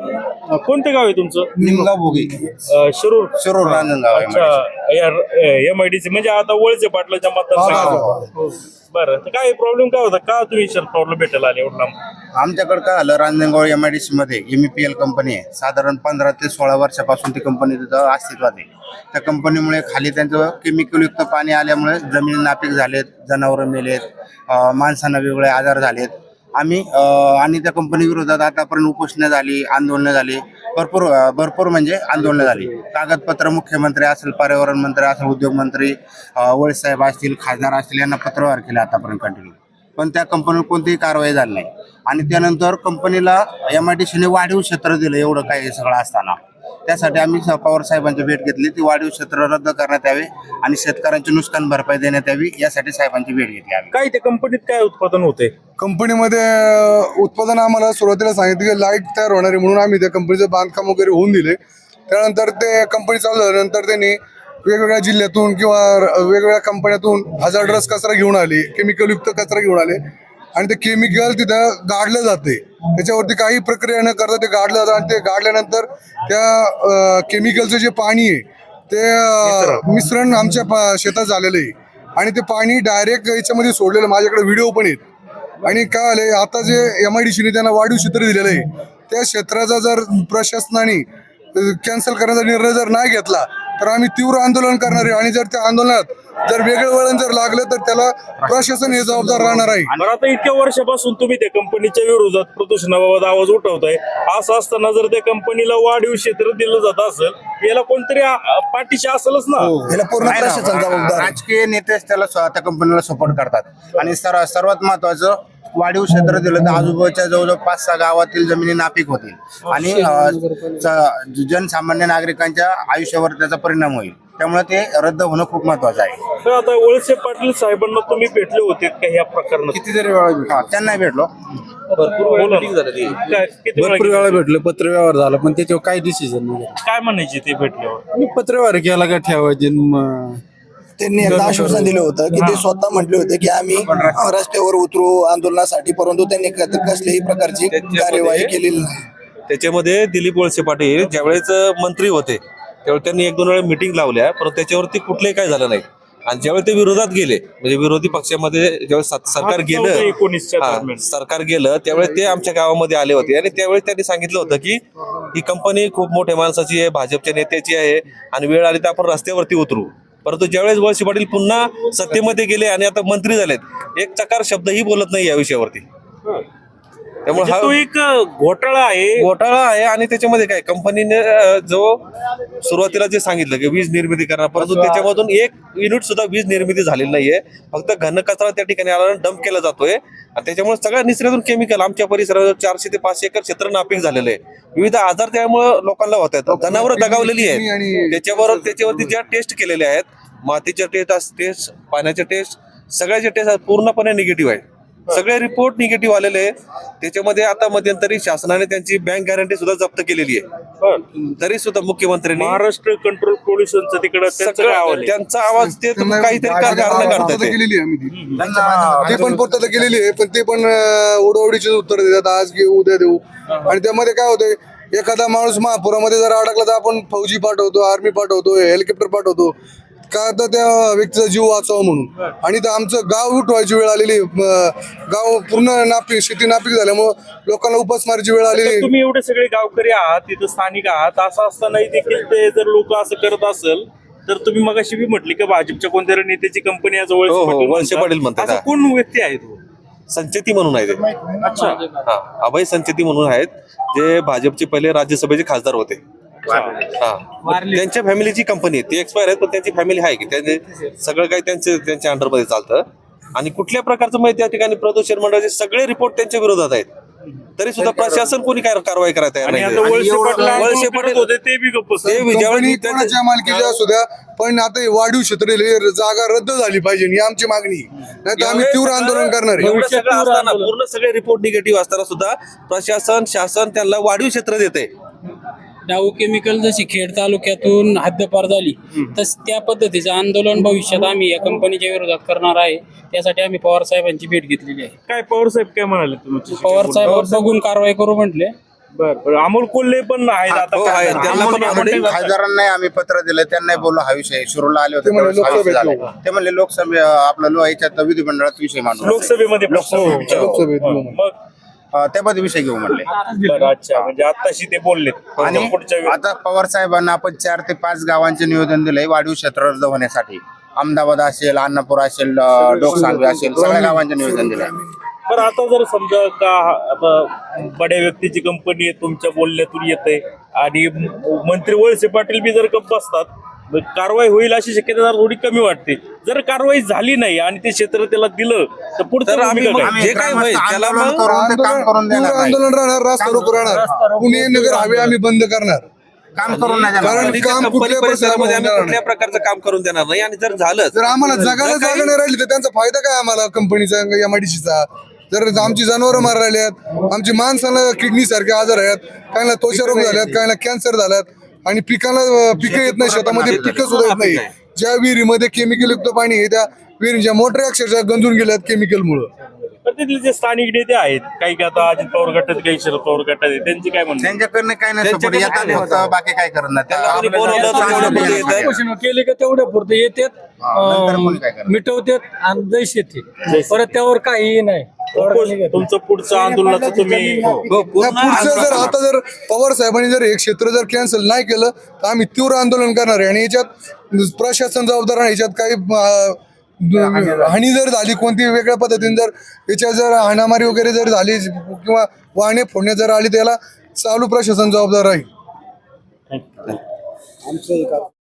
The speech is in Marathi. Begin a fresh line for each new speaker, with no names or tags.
कोणतं गाव आहे तुमचं?
निमगाव भोगी
शिरूर.
शिरूर रांजणगाव आहे.
अच्छा, MIDC म्हणजे आता वळसे पाटलाच्या मतदार. बरं, तर काय प्रॉब्लेम काय होता, का तुम्ही प्रॉब्लेम भेटायला आले एवढं लांब?
आमच्याकडे काय झालं, रांजणगाव MIDC मध्ये MEPL कंपनी आहे. साधारण 15 ते 16 वर्षापासून ती कंपनी तिथं अस्तित्वात आहे. त्या कंपनीमुळे खाली त्यांचं केमिकलयुक्त पाणी आल्यामुळे जमीन नापीक झालेत, जनावरं मेलेत, माणसांना वेगवेगळे आजार झालेत. आम्ही आणि त्या कंपनी विरोधात आतापर्यंत उपोषणं झाली, आंदोलनं झाली, भरपूर म्हणजे आंदोलनं झाली. कागदपत्र मुख्यमंत्री असेल, पर्यावरण मंत्री असेल, उद्योग मंत्री वळसाहेब असतील, खासदार असतील यांना पत्रव्यवहार केले आतापर्यंत कंटिन्यू, पण त्या कंपनीवर कोणतीही कारवाई झाली नाही. आणि त्यानंतर कंपनीला MIDCने वाढीव क्षेत्र दिलं. एवढं काही सगळं असताना त्यासाठी आम्ही पवार साहेबांची भेट घेतली. ती वाढीव क्षेत्र रद्द करण्यात यावे आणि शेतकऱ्यांची नुकसान भरपाई देण्यात यावी, यासाठी साहेबांची भेट घेतली आम्ही.
काय त्या कंपनीत काय उत्पादन होते?
कंपनीमध्ये उत्पादन आम्हाला सुरुवातीला सांगितलं की लाईट तयार होणार आहे, म्हणून आम्ही त्या कंपनीचं बांधकाम वगैरे होऊन दिले. त्यानंतर ते कंपनी चालू झाल्यानंतर त्यांनी वेगवेगळ्या जिल्ह्यातून किंवा वेगवेगळ्या कंपन्यातून हजार्डस कचरा घेऊन आले, केमिकलयुक्त कचरा घेऊन आले आणि ते केमिकल तिथं गाडलं जाते. त्याच्यावरती काही प्रक्रिया न करता ते गाडलं जातं आणि ते गाडल्यानंतर त्या केमिकलचं जे पाणी आहे ते मिश्रण आमच्या शेतात झालेलं आहे आणि ते पाणी डायरेक्ट याच्यामध्ये सोडलेलं. माझ्याकडे व्हिडिओ पण आहेत. आणि काय आले, आता जे MIDCने त्यांना वाढीव क्षेत्र दिलेलं आहे, त्या क्षेत्राचा जर प्रशासनाने कॅन्सल करण्याचा निर्णय जर नाही घेतला तर आम्ही तीव्र आंदोलन करणार आहे. आणि जर त्या आंदोलनात जर वेगळं वळण जर लागलं तर त्याला प्रशासन हे जबाबदार राहणार आहे.
आणि आता इतक्या वर्षापासून तुम्ही त्या कंपनीच्या विरोधात प्रदूषणाबाबत आवाज उठवताय. असं असताना जर त्या कंपनीला वाढीव क्षेत्र दिलं जात असेल, याला कोणतरी पाठीशी असेलच ना.
याला पूर्ण प्रशासन जबाबदार. राजकीय नेतेच त्याला त्या कंपनीला सपोर्ट करतात. आणि सर्वात महत्वाचं, वाढीव क्षेत्र दिलं तर आजूबाजूच्या जवळजवळ 5-6 गावातील जमिनी नापीक होतील आणि जनसामान्य नागरिकांच्या आयुष्यावर त्याचा परिणाम होईल. त्यामुळे ते रद्द होणं खूप महत्वाचं आहे.
तर आता वळसे पाटील साहेबांना तुम्ही भेटले होते का ह्या प्रकरणात?
कितीतरी वेळा त्यांना भेटलो.
भरपूर वेळा भेटलो, पत्रव्यवहार झाला, पण त्याच्यावर काही डिसिजन नाही.
काय म्हणायचे ते भेटल्यावर?
पत्रव्यवहार केला का ठेवायचे.
त्यांनी एकदा आश्वासन दिलं होतं की ते स्वतः म्हटले होते की आम्ही रस्त्यावर उतरू आंदोलनासाठी, परंतु त्यांनी कसल्याही प्रकारची कार्यवाही केलेली नाही.
त्याच्यामध्ये दिलीप वळसे पाटील ज्यावेळेस मंत्री होते त्यावेळी त्यांनी 1-2 वेळा मिटिंग लावल्या, परंतु त्याच्यावरती कुठलंही काय झालं नाही. आणि ज्यावेळी ते विरोधात गेले, म्हणजे विरोधी पक्षामध्ये ज्यावेळेस सरकार गेलं त्यावेळेस ते आमच्या गावामध्ये आले होते आणि त्यावेळेस त्यांनी सांगितलं होतं की ही कंपनी खूप मोठ्या माणसाची आहे, भाजपच्या नेत्याची आहे आणि वेळ आली तर आपण रस्त्यावरती उतरू. परंतु ज्यावेळेस वळसे पाटील पुन्हा सत्तेमध्ये गेले आणि आता मंत्री झालेत, एक चकार शब्दही बोलत नाही या विषयावरती. त्यामुळे हा
तो एक घोटाळा
आहे. आणि त्याच्यामध्ये काय, कंपनीने जो सुरुवातीला जे सांगितलं की वीज निर्मिती करणार, परंतु त्याच्यामधून 1 युनिट सुद्धा वीज निर्मिती झालेली नाहीये. फक्त घन कचरा त्या ठिकाणी आला डंप केला जातोय आणि त्याच्यामुळे सगळ्या निसर्गातून केमिकल आमच्या परिसरात 400 ते 500 एकर क्षेत्र नापीक झालेलं आहे. विविध आजार त्यामुळे लोकांना होत आहेत. जनावरं दगावलेली आहेत. त्याच्यावरती ज्या टेस्ट केलेल्या आहेत, मातीच्या टेस्ट, पाण्याच्या टेस्ट, सगळ्याच्या टेस्ट पूर्णपणे निगेटिव्ह आहेत. सगळे रिपोर्ट निगेटिव्ह आलेले आहेत. त्याच्यामध्ये आता मध्यंतरी शासनाने त्यांची बँक गॅरंटी सुद्धा जप्त केलेली आहे. तरी सुद्धा मुख्यमंत्र्यांनी
महाराष्ट्र कंट्रोल पोल्युशनचं तिकडे
त्यांचा आवाज ते काहीतरी कारण काढतात.
ते पण पूर्तता केलेली आहे, पण ते पण ओढवडीचे उत्तर देतात, आज घेऊ उद्या देऊ. आणि त्यामध्ये काय होतंय, एखादा माणूस महापुरामध्ये जर अडकला तर आपण फौजी पाठवतो, आर्मी पाठवतो, हेलिकॉप्टर पाठवतो का तर त्या व्यक्तीचा जीव वाचावं म्हणून. आणि तर आमचं गाव उठवायची वेळ आलेली, गाव पूर्ण शेती नापीक झाल्यामुळं लोकांना उपासमारीची वेळ आलेली.
तुम्ही एवढे सगळे गावकरी आहात, तिथं स्थानिक आहात, असं असतानाही देखील ते जर लोक असं करत असेल तर तुम्ही मगाशी बी म्हटली की भाजपच्या कोणत्या नेत्याची कंपनी आज
वळसे पाटील म्हणतात.
कोण व्यक्ती आहे तो?
संचेती म्हणून आहे ते.
अच्छा,
अभय संचेती म्हणून आहेत, जे भाजपचे पहिले राज्यसभेचे खासदार होते. त्यांच्या फॅमिलीची कंपनी आहे, ती एक्सपायर आहेत पण त्यांची फॅमिली आहे की त्यांचे सगळं काही त्यांच्या अंडरमध्ये चालतं. आणि कुठल्या प्रकारचं माहिती त्या ठिकाणी प्रदूषण मंडळाचे सगळे रिपोर्ट त्यांच्या विरोधात आहेत, तरी सुद्धा प्रशासन कोणी काय कारवाई करायला तयार नाही.
वळसे पाटील होते ते बी गप्प.
कोणाच्या मालकीच्या असू द्या, पण आता वाढीव क्षेत्र जागा रद्द झाली पाहिजे ही आमची मागणी. नाही तर आम्ही तीव्र आंदोलन करणार आहे.
पूर्ण सगळे रिपोर्ट निगेटिव्ह असताना सुद्धा प्रशासन, शासन त्यांना वाढीव क्षेत्र देते.
डाऊ केमिकल जशी खेड तालुक्यातून हद्दपार झाली, तस त्या पद्धतीचं आंदोलन भविष्यात आम्ही या कंपनीच्या विरोधात करणार आहे. त्यासाठी आम्ही पवार साहेबांची भेट घेतलेली आहे.
काय पवार साहेब काय म्हणाले तुम्ही?
पवार साहेब बघून कारवाई करू म्हटले.
बरं अमोल कोल्हे पण आहेत आता
हो, आहेत. त्यांना पण आपण
खासदारांना आम्ही पत्र दिलं, त्यांनाही बोललो हा विषय शिरूरला आले होते
ते म्हणले
त्यावेळेस हा विषय
लोकसभेत
झाला. ते म्हणले लोकसभे आपलं याच्यात विधिमंडळात विषय मांडू
लोकसभेमध्ये
लोकसभेत.
मग
त्यामध्ये विषय घेऊ म्हणले.
बरं अच्छा म्हणजे आताशी ते बोललेत
आणि
पुढच्या वेळी-
आता पवार साहेबांना आपण 4 ते 5 गावांचे निवेदन दिलंय वाढीव क्षेत्र रद्द होण्यासाठी. अहमदाबाद असेल, अन्नापूर असेल, डोकसांगवी असेल, सगळ्या गावांचे निवेदन दिलंय.
बरं आता जर समजा का आता बड्या व्यक्तीची कंपनी तुमच्या बोलण्यातून येते आणि मंत्री वळसे पाटील बी जर गप्प असतात मग कारवाई होईल अशी शक्यता जरा थोडी कमी वाटते. जर कारवाई झाली नाही आणि ते क्षेत्र त्याला दिलं तर पुढचं
तर आम्ही
भूमिका
मग
काय?
जे काय होईल त्याला
आंदोलन
मग
करून ते काम करून देणार
पूर्ण
नाही.
आंदोलन राहणार, रास्ता रोको राहणार, पुणे नगर हवे आम्ही बंद करणार.
काम करून नाही देणार.
कारण
कंपनीच्या
काम
कंपनी
कुठल्या
परिसरामध्ये आम्ही
परिसरामध्ये
कुठल्या प्रकारचं काम करून देणार नाही. आणि जर झालं
जर आम्हाला जगायला जागा नाही राहिली तर त्यांचा फायदा काय आम्हाला कंपनीचा एमआयडीसीचा. जर आमची जनावरं मार राहिली आहेत, आमची माणसाला किडनी सारखे आजार आहेत, काहींना त्वचा रोग झाल्यात, काहींना कॅन्सर झाल्यात आणि पिकं येत नाही, शेतामध्ये पिकं सुद्धा येत नाही. ज्या विहिरीमध्ये केमिकल युक्त पाणी आहे त्या विहिरीच्या मोटरी अक्षरशः गंजून गेल्यात केमिकलमुळं.
तर तिथले जे स्थानिक नेते आहेत काही काही आता अजित पवार गटात काही शरद पवार गटात आहेत त्यांची काय म्हणणं
त्यांच्याकडनं काय नाही support. येतात फक्त, बाकी काय करणार
त्याला कोणी बोलवलं तर तेवढं पुढे येतात.
घोषणा केली का तेवढ्या पुरते येतात,
नंतर कोणी काय करणार.
मिटवतात आणि जैश येते. परत त्यावर काहीही नाही.
तुमचं पुढचं आंदोलनाचं तुम्ही
हो, पूर्ण
पुढचं जर आता जर पवार साहेबांनी जर हे क्षेत्र जर कॅन्सल नाही केलं तर आम्ही तीव्र आंदोलन करणार आहे. आणि याच्यात प्रशासन जबाबदार आहे. याच्यात काही हानी जर झाली कोणती वेगळ्या पद्धतीने जर याच्यात जर हाणामारी वगैरे जर झाली किंवा वाहने फोडण्यात जर आली त्याला चालू प्रशासन जबाबदार राहील.